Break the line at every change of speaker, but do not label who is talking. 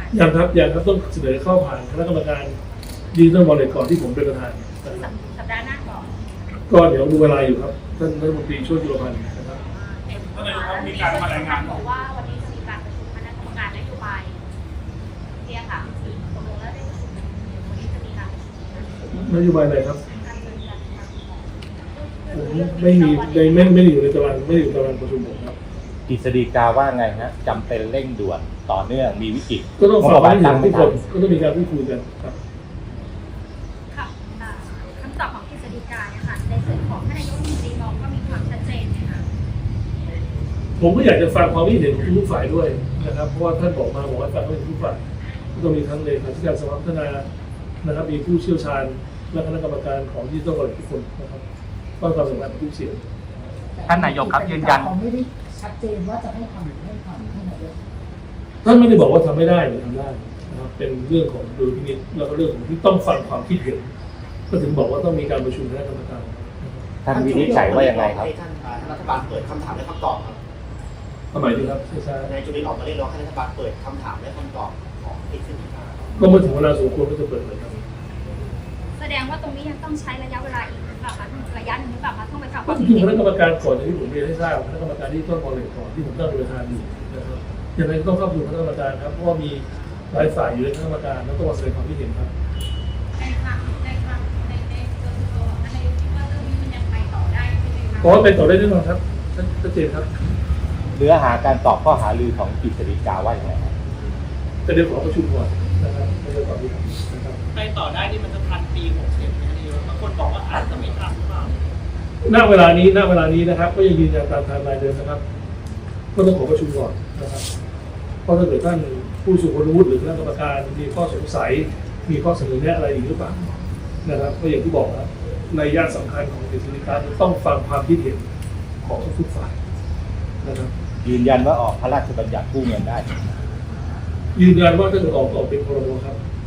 ยังครับต้องเสนอเข้าผ่านคณะกรรมการดิจิทัลวอลเล็ตก่อนที่ผมเป็นประธานนะครับ
สัปดาห์หน้าก่อน
ก็เดี๋ยวดูเวลาอยู่ครับท่านรัฐมนตรีช่วยจุลพันธ์นะครับ
ท่านนายกครับมีการมารายงาน
บอกว่าวันนี้จะมีการประชุมคณะกรรมการนโยบายเนี่ยค่ะตกลงแล้วได้ประชุมวันนี้จะมีการประชุม
นโยบายอะไรครับ
การเงินการคลังของ
ผมไม่มีไม่ได้อยู่ในตารางไม่ได้อยู่ในตารางประชุมผมครับ
กฤษฎีกาว่าไงฮะจำเป็นเร่งด่วนต่อเนื่องมีวิกฤต
ก็ต้องฝากไว้ให้ทุกคนก็ต้องมีการพูดคุยกันครับ
ค่ะคำตอบของกฤษฎีกาเนี่ยค่ะในส่วนของท่านนายกรัฐมนตรีมองว่ามีความชัดเจนไหมคะ
ผมก็อยากจะฟังความคิดเห็นของทุกฝ่ายด้วยนะครับเพราะว่าท่านบอกว่าฟังความเห็นทุกฝ่ายก็ต้องมีทั้งเลขาธิการสภาพัฒนานะครับมีผู้เชี่ยวชาญและคณะกรรมการของดิจิทัลวอลเล็ตทุกคนนะครับฟังความสำคัญของทุกเสียง
ท่านนายกครับยืนยัน
เขาไม่ได้ชัดเจนว่าจะให้ทำหรือไม่ทำท่านนายก
ท่านไม่ได้บอกว่าทำไม่ได้หรือทำได้นะครับเป็นเรื่องของดุลพินิจแล้วก็เรื่องของที่ต้องฟังความคิดเห็นก็ถึงบอกว่าต้องมีการประชุมคณะกรรมการ
ท่านวินิจฉัยว่ายังไงครับ
ให้ท่านรัฐบาลเปิดคำถามและคำตอบครับ
ทำไมดีครับช้าน
ายจุลินออกมาเรียกร้องให้รัฐบาลเปิดคำถามและคำตอบของกฤษฎีกา
ก็เมื่อถึงเวลาสมควรก็จะเปิดเผยครับ
แสดงว่าตรงนี้ยังต้องใช้ระยะเวลาอีกหรือเปล่าคะระยะหนึ่งหรือเปล่าคะต้องไปฟังค
ก็
วาม
จ
คิด
ริงๆ
เห็
คน ณะกรรมการก่อนอย่างที่ผมเรียนให้ทราบคณะกรรมการที่ต้นบอลเลยก่อนที่ผมตั้งเป็นประธานอยู่นะครับยังไงก็ต้องเข้าสู่คณะกรรมการครับเพราะว่ามีหลายฝ่ายอยู่ในคณะกรรมการแล้วต้องมาแสดงความคิดเห็นครับ
ในส่วนตัวท่านนายกคิดว่าเรื่องนี้มันยังไปต่อได้ใช่ไหมคะ
เพราะว่าเป็นต่อได้แน่นอนครับชัดเจนครับ
เนื้อหาการตอบข้อหารือของกฤษฎีกาว่าอย่างไรครับ
แต่เดี๋ยวขอประชุมก่อนนะครับไม่ได้ตอบที่นะครับ
ไปต่อได้นี่มันจะทันปี67นะนายกบางคนบอกว่าอาจจะไม่ทันหรือเปล่า
ณเวลานี้นะครับ ก็ยังยืนยันตามไทม์ไลน์เดิมนะครับ ก็ต้องขอประชุมก่อนนะครับเพราะถ้าเกิดท่านผู้สูงอายุหรือคณะกรรมการมีข้อสงสัยมีข้อเสนอแนะอะไรอีกหรือเปล่านะครับก็อย่างที่บอกนะในย่านสำคัญของกฤษฎีกาต้องฟังความคิดเห็นของทุกฝ่ายนะครับ
ยืนยันว่าออกพระราชบัญญัติกู้เงินได้
ยืนยันว่าถ้าเกิดออกเป็นพรบครับ